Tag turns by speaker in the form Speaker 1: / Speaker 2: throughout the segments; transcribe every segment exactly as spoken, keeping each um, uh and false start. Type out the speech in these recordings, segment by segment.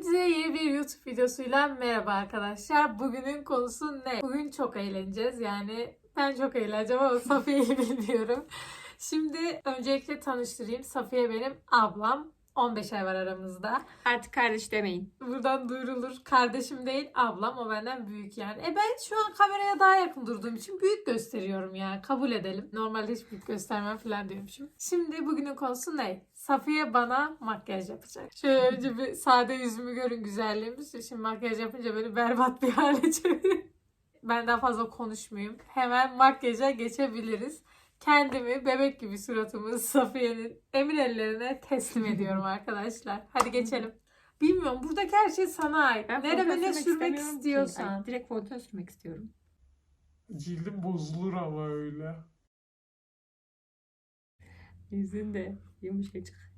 Speaker 1: Hepinize yeni bir YouTube videosuyla merhaba arkadaşlar. Bugünün konusu ne? Bugün çok eğleneceğiz. Yani ben çok eğleneceğim ama Safiye'yi bilmiyorum. Şimdi öncelikle tanıştırayım. Safiye benim ablam. on beş ay var aramızda.
Speaker 2: Artık kardeş demeyin.
Speaker 1: Buradan duyurulur. Kardeşim değil, ablam. O benden büyük yani. E ben şu an kameraya daha yakın durduğum için büyük gösteriyorum yani. Kabul edelim. Normalde hiç büyük göstermem falan diyormuşum. Şimdi bugünün konusu ne? Safiye bana makyaj yapacak. Şöyle önce bir sade yüzümü görün, güzelliğimiz. Şimdi makyaj yapınca beni berbat bir hale çevirin. Ben daha fazla konuşmayayım. Hemen makyaja geçebiliriz. Kendimi bebek gibi suratımı Safiye'nin emin ellerine teslim ediyorum arkadaşlar. Hadi geçelim. Bilmiyorum, buradaki her şey sana ait.
Speaker 2: Ben
Speaker 1: Nereme
Speaker 2: fondöten
Speaker 1: ne
Speaker 2: sürmek
Speaker 1: sürmek
Speaker 2: istemiyorum ki.
Speaker 1: istiyorsan.
Speaker 2: Ay, direkt fondöten sürmek istiyorum.
Speaker 3: Cildim bozulur ama öyle.
Speaker 2: Yüzün de yumuşacık.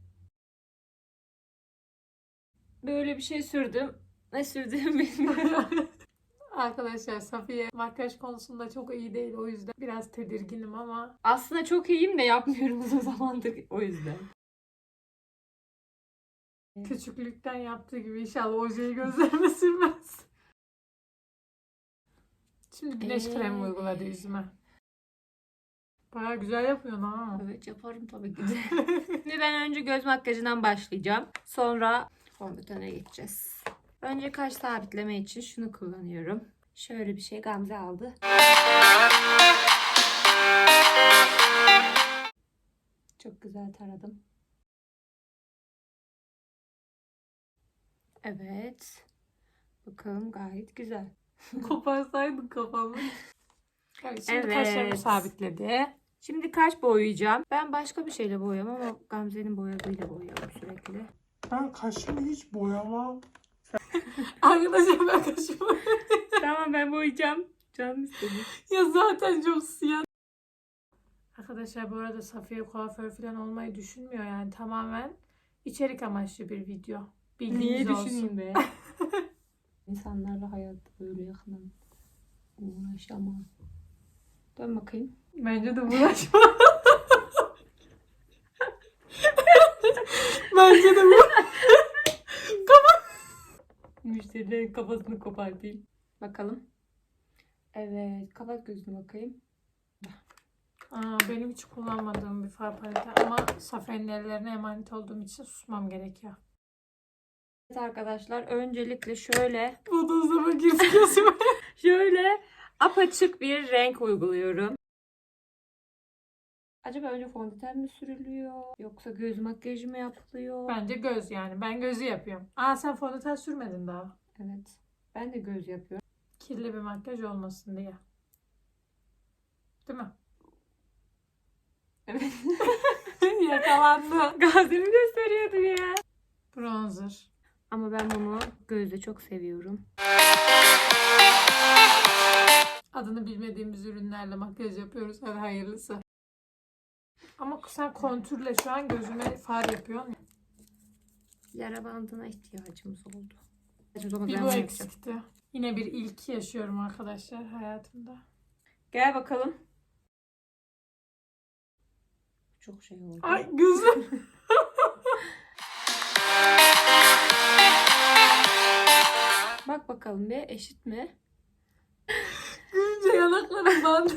Speaker 2: Böyle bir şey sürdüm. Ne sürdüğümü bilmiyorum.
Speaker 1: Arkadaşlar Safiye makyaj konusunda çok iyi değil. O yüzden biraz tedirginim ama.
Speaker 2: Aslında çok iyiyim de yapmıyorum uzun zamandır o yüzden.
Speaker 1: Küçüklükten yaptığı gibi inşallah ojeyi gözlerime sürmez. Şimdi güneş
Speaker 2: Ee?
Speaker 1: kremi uyguladı yüzüme. Baya güzel yapıyorsun ha.
Speaker 2: Evet yaparım tabii ki de. Şimdi ben önce göz makyajından başlayacağım. Sonra fondötene geçeceğiz. Önce kaş sabitleme için şunu kullanıyorum. Şöyle bir şey Gamze aldı. Çok güzel taradım. Evet. Bakalım gayet güzel.
Speaker 1: Koparsaydın kafamı. Evet, şimdi
Speaker 2: Evet.
Speaker 1: kaşlarımı sabitledi.
Speaker 2: Şimdi kaş boyayacağım. Ben başka bir şeyle boyuyorum ama Gamze'nin boyadığıyla boyuyorum sürekli.
Speaker 3: Ben kaşımı hiç boyamam.
Speaker 1: Arkadaşlar ben kaşımı...
Speaker 2: Tamam ben boyayacağım. Canım istedi.
Speaker 1: ya zaten çok siyah. Arkadaşlar bu arada Safiye kuaför falan olmayı düşünmüyor yani. Tamamen içerik amaçlı bir video. Bildiğiniz
Speaker 2: Niye
Speaker 1: olsun.
Speaker 2: düşüneyim be? İnsanlarla hayatta böyle yakından uğraşamam. Dön bakayım.
Speaker 1: Bence de uğraşma. Bence de bu.
Speaker 2: Müşterilerin kafasını kopartayım. Bakalım. Evet. Kapat gözünü bakayım.
Speaker 1: Aa, benim hiç kullanmadığım bir far paleti ama Safiye'nin ellerine emanet olduğum için susmam gerekiyor.
Speaker 2: Evet arkadaşlar. Öncelikle şöyle
Speaker 1: Bodozlama girdi gözüme.
Speaker 2: şöyle apaçık bir renk uyguluyorum. Acaba önce fondöten mi sürülüyor? Yoksa göz makyajı mı yapılıyor?
Speaker 1: Bence göz yani. Ben gözü yapıyorum. Aa sen fondöten sürmedin daha.
Speaker 2: Evet. Ben de göz yapıyorum.
Speaker 1: Kirli bir makyaj olmasın diye. Değil mi?
Speaker 2: Evet.
Speaker 1: Yakalandı.
Speaker 2: Gazemi gösteriyordum ya.
Speaker 1: Bronzer.
Speaker 2: Ama ben bunu gözde çok seviyorum.
Speaker 1: Adını bilmediğimiz ürünlerle makyaj yapıyoruz. Hadi hayırlısı. Ama sen kontürle şu an gözüme far yapıyorsun.
Speaker 2: Yara bandına ihtiyacımız oldu.
Speaker 1: Bir bu eksikti. Yine bir ilk yaşıyorum arkadaşlar hayatımda.
Speaker 2: Gel bakalım. Çok şey oldu.
Speaker 1: Ay gözüm.
Speaker 2: Bak bakalım bir eşit mi?
Speaker 1: Gülünce yanaklarım bandı.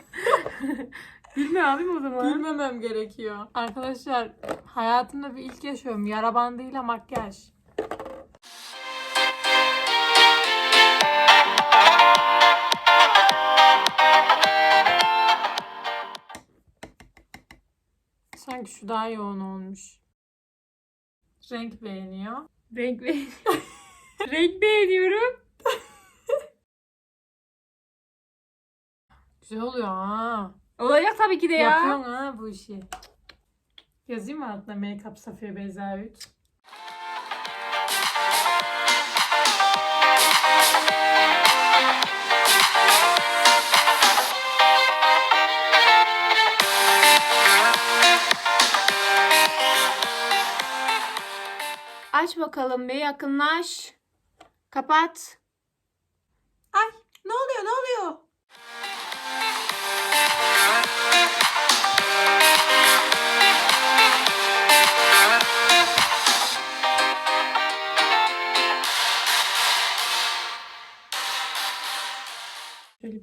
Speaker 2: Gülme abim o zaman.
Speaker 1: Gülmemem gerekiyor. Arkadaşlar hayatımda bir ilk yaşıyorum. Yara bandıyla makyaj. Sanki şu daha yoğun olmuş. Renk beğeniyor.
Speaker 2: Renk be Renk beğeniyorum.
Speaker 1: Güzel oluyor ha.
Speaker 2: Olacak tabii ki de ya.
Speaker 1: Yapıyorsun ha bu işi. Yazayım mı altına Make-up Safiye Beyza üç?
Speaker 2: Aç bakalım bir yakınlaş. Kapat.
Speaker 1: Ay ne oluyor ne oluyor?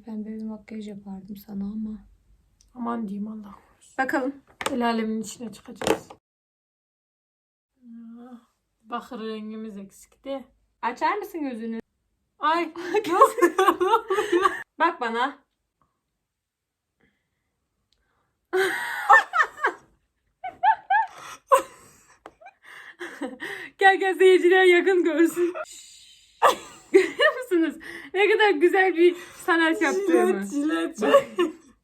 Speaker 2: pembe bir makyaj yapardım sana ama.
Speaker 1: Aman diyeyim Allah korusun.
Speaker 2: Bakalım.
Speaker 1: El alemin içine çıkacağız. Ah, bakır rengimiz eksikti.
Speaker 2: Açar mısın gözünü?
Speaker 1: Ay.
Speaker 2: Bak bana. Gel gel seyirciler yakın görsün. Görüyor musunuz? Ne kadar güzel bir sanat yaptığımı.
Speaker 1: Jilet, jilet.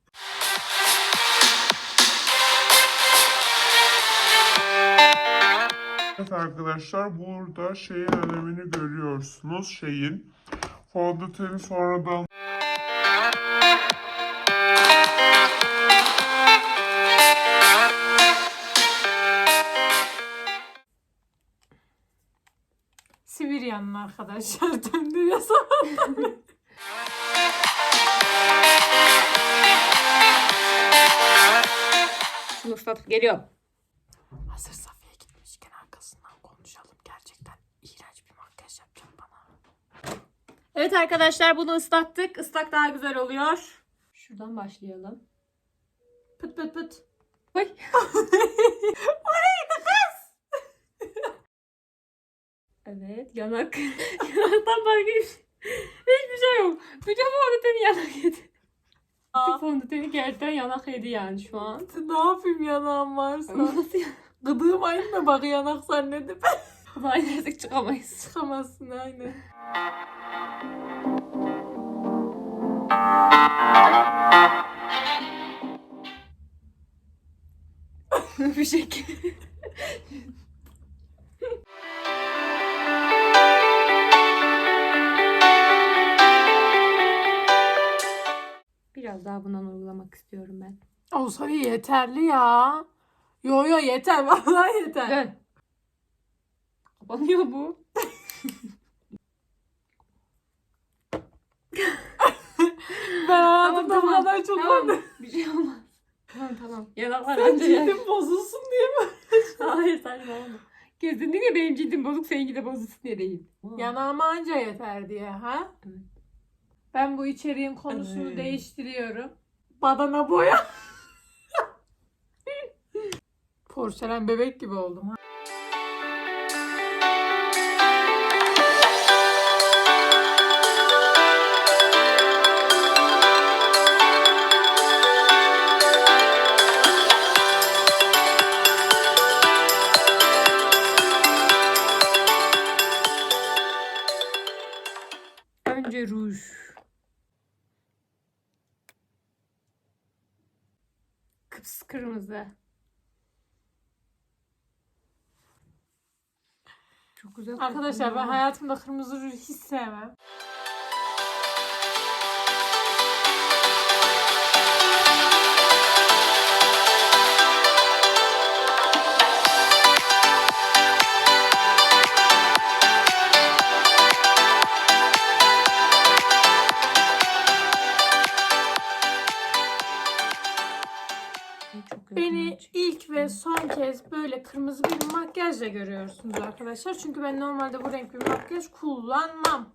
Speaker 3: Evet arkadaşlar, burada şeyin önemini görüyorsunuz. Şeyin fondöteni sonradan
Speaker 1: Sibiryan'ın arkadaşlar döndürüyor sabahtan.
Speaker 2: Şunu ıslatıp geliyorum.
Speaker 1: Hazır Safiye gitmişken arkasından konuşalım. Gerçekten iğrenç bir makyaj yapacak bana.
Speaker 2: Evet arkadaşlar bunu ıslattık. Islak daha güzel oluyor. Şuradan başlayalım.
Speaker 1: Pıt pıt pıt.
Speaker 2: Oy. Evet yanak. Yanaktan başka hiç- hiçbir şey yok. Bütün fondöteni yanak yedi. Bütün fondöteni gerçekten yanak yedi yani şu an.
Speaker 1: Ne yapayım yanağım varsa?
Speaker 2: Nasıl ya?
Speaker 1: Gıdığım aynı mı bak yanak zannedip.
Speaker 2: Daha inersek çıkamayız.
Speaker 1: Çıkamazsın aynen.
Speaker 2: Bir şekilde. Biraz daha bundan uygulamak istiyorum ben.
Speaker 1: O Safiye yeterli ya. Yo yo yeter vallahi yeter.
Speaker 2: Dön. Kapanıyor bu.
Speaker 1: Ben hayatımda bu kadar çok
Speaker 2: tamam.
Speaker 1: var.
Speaker 2: Bir şey olmaz. Tamam tamam. Yanaklar
Speaker 1: Sen
Speaker 2: anca yer.
Speaker 1: cildim bozulsun diye mi?
Speaker 2: Hayır saçmalama. Kesinlikle benim cildim bozuk, seninki de bozulsun diye değil.
Speaker 1: Yanağıma anca yeter diye ha?
Speaker 2: Evet.
Speaker 1: Ben bu içeriğin konusunu
Speaker 2: Evet.
Speaker 1: değiştiriyorum. Badana boya. Porselen bebek gibi oldum ha.
Speaker 2: Önce ruj. Kıpkırmızı. Çok güzel.
Speaker 1: Arkadaşlar ben
Speaker 2: kokuyor.
Speaker 1: hayatımda kırmızı ruj hiç sevmem.
Speaker 2: Çok
Speaker 1: Beni
Speaker 2: yakın
Speaker 1: ilk ve son kez böyle kırmızı bir makyajla görüyorsunuz arkadaşlar. Çünkü ben normalde bu renk bir makyaj kullanmam.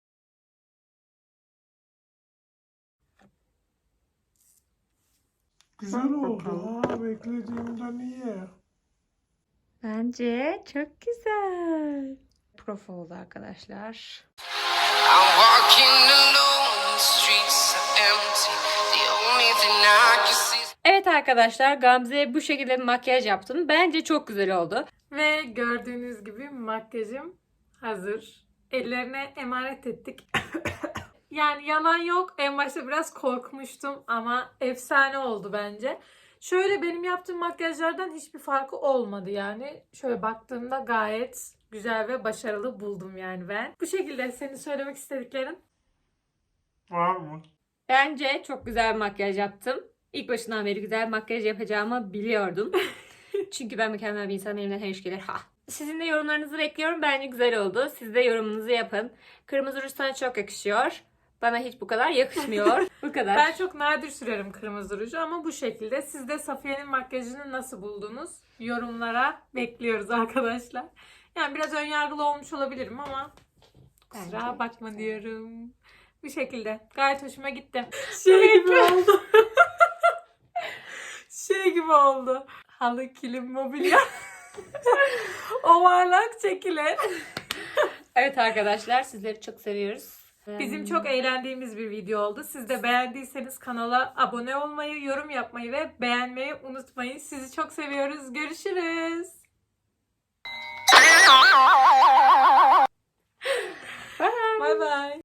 Speaker 3: güzel
Speaker 2: Bak
Speaker 3: oldu
Speaker 2: bakalım.
Speaker 3: ha, beklediğimden iyi.
Speaker 2: Bence çok güzel. Prof oldu arkadaşlar.
Speaker 4: I'm walking alone, the streets are empty. The only thing I can see is
Speaker 2: Evet arkadaşlar Gamze'ye bu şekilde bir makyaj yaptım. Bence çok güzel oldu.
Speaker 1: Ve gördüğünüz gibi makyajım hazır. Ellerine emanet ettik. Yani yalan yok. En başta biraz korkmuştum ama efsane oldu bence. Şöyle benim yaptığım makyajlardan hiçbir farkı olmadı yani. Şöyle baktığımda gayet güzel ve başarılı buldum yani ben. Bu şekilde senin söylemek istediklerin.
Speaker 3: Var mı?
Speaker 2: Bence çok güzel bir makyaj yaptım. İlk başından beri güzel bir makyaj yapacağımı biliyordum. Çünkü ben mükemmel bir insanım. Elimden her iş gelir. Ha. Sizin de yorumlarınızı bekliyorum. Bence güzel oldu. Siz de yorumunuzu yapın. Kırmızı ruj sana çok yakışıyor. Bana hiç bu kadar yakışmıyor. Bu kadar.
Speaker 1: Ben çok nadir sürerim kırmızı ruju ama bu şekilde. Siz de Safiye'nin makyajını nasıl buldunuz? Yorumlara bekliyoruz arkadaşlar. Yani biraz önyargılı olmuş olabilirim ama kusura
Speaker 2: Bence
Speaker 1: bakma diyorum. Bu şekilde. Gayet hoşuma gitti. Şey gibi oldu. Şey gibi oldu. Halı, kilim, mobilya. Ovarlak çekilir.
Speaker 2: Evet arkadaşlar, sizleri çok seviyoruz.
Speaker 1: Bizim çok eğlendiğimiz bir video oldu. Siz de beğendiyseniz kanala abone olmayı, yorum yapmayı ve beğenmeyi unutmayın. Sizi çok seviyoruz. Görüşürüz. Bye bye.